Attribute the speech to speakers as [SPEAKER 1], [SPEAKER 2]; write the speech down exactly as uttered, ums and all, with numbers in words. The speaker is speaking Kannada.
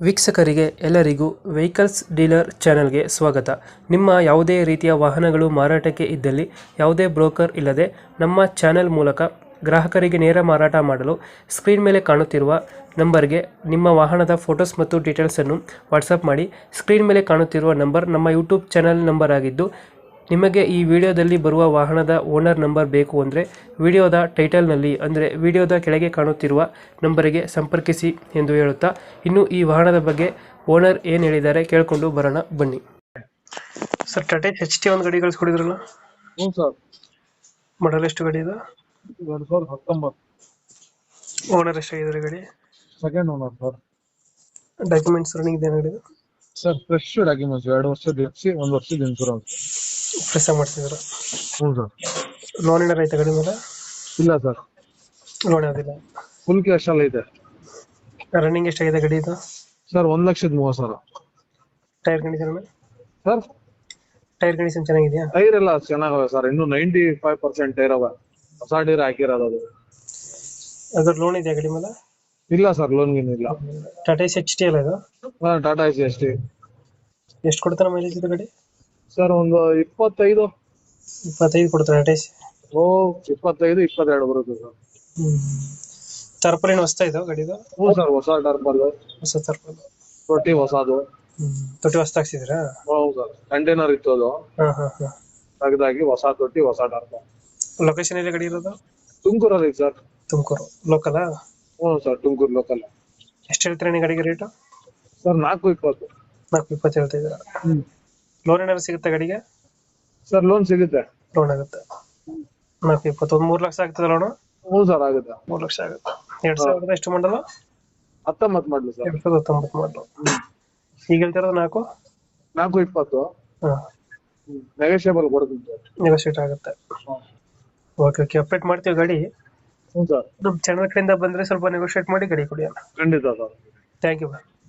[SPEAKER 1] ವೀಕ್ಷಕರಿಗೆ ಎಲ್ಲರಿಗೂ ವೆಹಿಕಲ್ಸ್ ಡೀಲರ್ ಚಾನೆಲ್ಗೆ ಸ್ವಾಗತ. ನಿಮ್ಮ ಯಾವುದೇ ರೀತಿಯ ವಾಹನಗಳು ಮಾರಾಟಕ್ಕೆ ಇದ್ದಲ್ಲಿ ಯಾವುದೇ ಬ್ರೋಕರ್ ಇಲ್ಲದೆ ನಮ್ಮ ಚಾನೆಲ್ ಮೂಲಕ ಗ್ರಾಹಕರಿಗೆ ನೇರ ಮಾರಾಟ ಮಾಡಲು ಸ್ಕ್ರೀನ್ ಮೇಲೆ ಕಾಣುತ್ತಿರುವ ನಂಬರ್ಗೆ ನಿಮ್ಮ ವಾಹನದ ಫೋಟೋಸ್ ಮತ್ತು ಡೀಟೇಲ್ಸನ್ನು ವಾಟ್ಸಪ್ ಮಾಡಿ. ಸ್ಕ್ರೀನ್ ಮೇಲೆ ಕಾಣುತ್ತಿರುವ ನಂಬರ್ ನಮ್ಮ ಯೂಟ್ಯೂಬ್ ಚಾನೆಲ್ ನಂಬರ್ ಆಗಿದ್ದು, ನಿಮಗೆ ಈ ವಿಡಿಯೋದಲ್ಲಿ ಬರುವ ವಾಹನದ ಓನರ್ ನಂಬರ್ ಬೇಕು ಅಂದರೆ ವಿಡಿಯೋದ ಟೈಟಲ್ನಲ್ಲಿ ಅಂದರೆ ವಿಡಿಯೋದ ಕೆಳಗೆ ಕಾಣುತ್ತಿರುವ ನಂಬರಿಗೆ ಸಂಪರ್ಕಿಸಿ ಎಂದು ಹೇಳುತ್ತಾ, ಇನ್ನು ಈ ವಾಹನದ ಬಗ್ಗೆ ಓನರ್ ಏನು ಹೇಳಿದ್ದಾರೆ ಕೇಳಿಕೊಂಡು ಬರೋಣ ಬನ್ನಿ. ಸರ್, ಟಾಟಾ ಎಚ್ ಟಿ ಒಂದು ಗಾಡಿ ಕಳಿಸ್ಕೊಡಿದ್ರಲ್ಲ,
[SPEAKER 2] ಹ್ಞೂ ಸರ್.
[SPEAKER 1] ಮಾಡಲ್ ಎಷ್ಟು ಗಾಡಿ ಇದೆ?
[SPEAKER 2] ಎರಡು ಸಾವಿರದ ಹತ್ತೊಂಬತ್ತು.
[SPEAKER 1] ಓನರ್ ಎಷ್ಟಾಗಿದ್ದಾರೆ ಗಾಡಿ?
[SPEAKER 2] Second owner sir.
[SPEAKER 1] Documents running ಇದೆ ಗಾಡಿ?
[SPEAKER 2] ಸರ್ ಫ್ರೆಶ್ ಡಾಕ್ಯುಮೆಂಟ್ಸ್, ಎರಡು ವರ್ಷದ ಎಫ್ ಸಿ, ಒಂದು ವರ್ಷದ ಇನ್ಶೂರೆನ್ಸ್.
[SPEAKER 1] ಫ್ರೆಶ್ ಆಗಿ ಮಾಡಿಸಿದ್ರು?
[SPEAKER 2] ಹ್ಞೂ ಸರ್.
[SPEAKER 1] ಲೋನ್ ಏನಾರು ಐತೆ ಗಾಡಿ ಮೇಲೆ?
[SPEAKER 2] ಇಲ್ಲ ಸರ್,
[SPEAKER 1] ಲೋನ್ ಯಾವುದಿಲ್ಲ.
[SPEAKER 2] ಫುಲ್ ಕ್ಯಾಶ್ ಅಲ್ಲಿ ಇದೆ.
[SPEAKER 1] ರನ್ನಿಂಗ್ ಎಷ್ಟಾಗಿದೆ ಗಾಡಿ ಇದು?
[SPEAKER 2] ಸರ್ ಒಂದು ಲಕ್ಷದ ಮೂವತ್ತು ಸಾವಿರ.
[SPEAKER 1] Tyre condition
[SPEAKER 2] sir
[SPEAKER 1] tyre condition ಚೆನ್ನಾಗಿದೆಯಾ?
[SPEAKER 2] ಟೈರ್ ಎಲ್ಲ ಚೆನ್ನಾಗವೆ ಸರ್, ಇನ್ನು ನೈಂಟಿ ಫೈವ್ ಪರ್ಸೆಂಟ್ ಟೈರ್ ಅವ. ಹೊಸ ಟೈರ್ ಹಾಕಿರೋದು ಅದು.
[SPEAKER 1] ಅದ್ರ ಲೋನ್ ಇದೆಯಾ ಗಾಡಿ ಮೇಲೆ?
[SPEAKER 2] ಇಲ್ಲ ಸರ್, ಲೋನ್ ಗೀನ್ ಇಲ್ಲ.
[SPEAKER 1] ಟಾಟಾ ಎಚ್ ಟಿ ಅಲ್ಲ ಇದು?
[SPEAKER 2] ಹಾಂ, ಟಾಟಾ ಎಸಿ ಎಸ್ ಟಿ.
[SPEAKER 1] ಎಷ್ಟು ಕೊಡ್ತಾನೆ ಮೈಲೇಜ್ ಇದು ಗಾಡಿ?
[SPEAKER 2] ಸರ್ ಒಂದು ಇಪ್ಪತ್ತೈದು
[SPEAKER 1] ಇಪ್ಪತ್ತೈದು ಕೊಡ್ತಾರೆ ಟಾಟಾ ಎಸಿ?
[SPEAKER 2] ಓ, ಇಪ್ಪತ್ತೈದು ಇಪ್ಪತ್ತೆರಡು ಬರುತ್ತೆ ಸರ್.
[SPEAKER 1] ಹ್ಮ್. ಟರ್ಪಲ್ ಏನು ಹೊಸ್ತಾ ಇದು ಗಾಡಿದು?
[SPEAKER 2] ಹ್ಞೂ ಸರ್, ಹೊಸ ಟರ್ಪಲ್,
[SPEAKER 1] ಹೊಸ ಟರ್ಪಲ್.
[SPEAKER 2] ತೊಟ್ಟಿ ಹೊಸದು.
[SPEAKER 1] ಹ್ಮ್. ತೊಟ್ಟಿ ಹೊಸ್ತ ಹಾಕ್ಸಿದ್ರಾ?
[SPEAKER 2] ಹೌದು ಸರ್, ಕಂಟೈನರ್ ಇತ್ತು ಅದು,
[SPEAKER 1] ಹಾ ಹಾ ಹಾ.
[SPEAKER 2] ತೆಗೆದಾಗಿ ಹೊಸ ತೊಟ್ಟಿ ಹೊಸ ಟರ್ಪಲ್.
[SPEAKER 1] ಲೊಕೇಶನ್ ಎಲ್ಲಿ ಗಾಡಿ ಇರೋದು?
[SPEAKER 2] ತುಮಕೂರಲ್ಲಿ ಸರ್.
[SPEAKER 1] ತುಮಕೂರು ಲೋಕಲ್?
[SPEAKER 2] ಹ್ಞೂ ಸರ್, ತುಮಕೂರು ಲೋಕಲ್.
[SPEAKER 1] ಎಷ್ಟು ಹೇಳ್ತೀರಾ ನೀವು ಗಾಡಿಗೆ ರೇಟು?
[SPEAKER 2] ಸರ್ ನಾಲ್ಕು ಇಪ್ಪತ್ತು.
[SPEAKER 1] ನಾಲ್ಕು ಇಪ್ಪತ್ತು ಹೇಳ್ತಾ ಇದ್ದೀರಾ?
[SPEAKER 2] ಹ್ಞೂ.
[SPEAKER 1] ಲೋನ್ ಏನಾದ್ರು ಸಿಗುತ್ತೆ ಗಾಡಿಗೆ?
[SPEAKER 2] ಸರ್ ಲೋನ್ ಸಿಗುತ್ತೆ.
[SPEAKER 1] ಲೋನ್ ಆಗುತ್ತೆ. ನಾಲ್ಕು ಇಪ್ಪತ್ತು, ಒಂದು ಮೂರು ಲಕ್ಷ ಆಗ್ತದೆ ಲೋನು?
[SPEAKER 2] ಹ್ಞೂ ಸರ್, ಆಗುತ್ತೆ.
[SPEAKER 1] ಮೂರು ಲಕ್ಷ ಆಗುತ್ತೆ. ಎರಡು ಸಾವಿರದ ಎಷ್ಟು ಮಾಡಲು?
[SPEAKER 2] ಹತ್ತೊಂಬತ್ತು ಮಾಡಲು ಸರ್.
[SPEAKER 1] ಎರಡು ಸಾವಿರದ ಹತ್ತೊಂಬತ್ತು ಮಾಡಲು. ಈಗ ಹೇಳ್ತಿರೋದು ನಾಲ್ಕು
[SPEAKER 2] ನಾಲ್ಕು ಇಪ್ಪತ್ತು.
[SPEAKER 1] ಹಾಂ.
[SPEAKER 2] ನೆಗೋಷಿಯಬಲ್ ಕೊಡ್ತೀನಿ ಸರ್.
[SPEAKER 1] ನೆಗೋಷಿಯೇಟ್ ಆಗುತ್ತೆ. ಓಕೆ ಓಕೆ, ಅಪ್ಡೇಟ್ ಮಾಡ್ತೀವಿ ಗಾಡಿ.
[SPEAKER 2] ಹ್ಞೂ ಸರ್.
[SPEAKER 1] ನಮ್ಮ ಚಾನಲ್ ಕಡೆಯಿಂದ ಬಂದರೆ ಸ್ವಲ್ಪ ನೆಗೋಷಿಯೇಟ್ ಮಾಡಿ ಗಾಡಿ ಕೊಡಿ ಅಣ್ಣ.
[SPEAKER 2] ಖಂಡಿತ ಸರ್.
[SPEAKER 1] Thank you.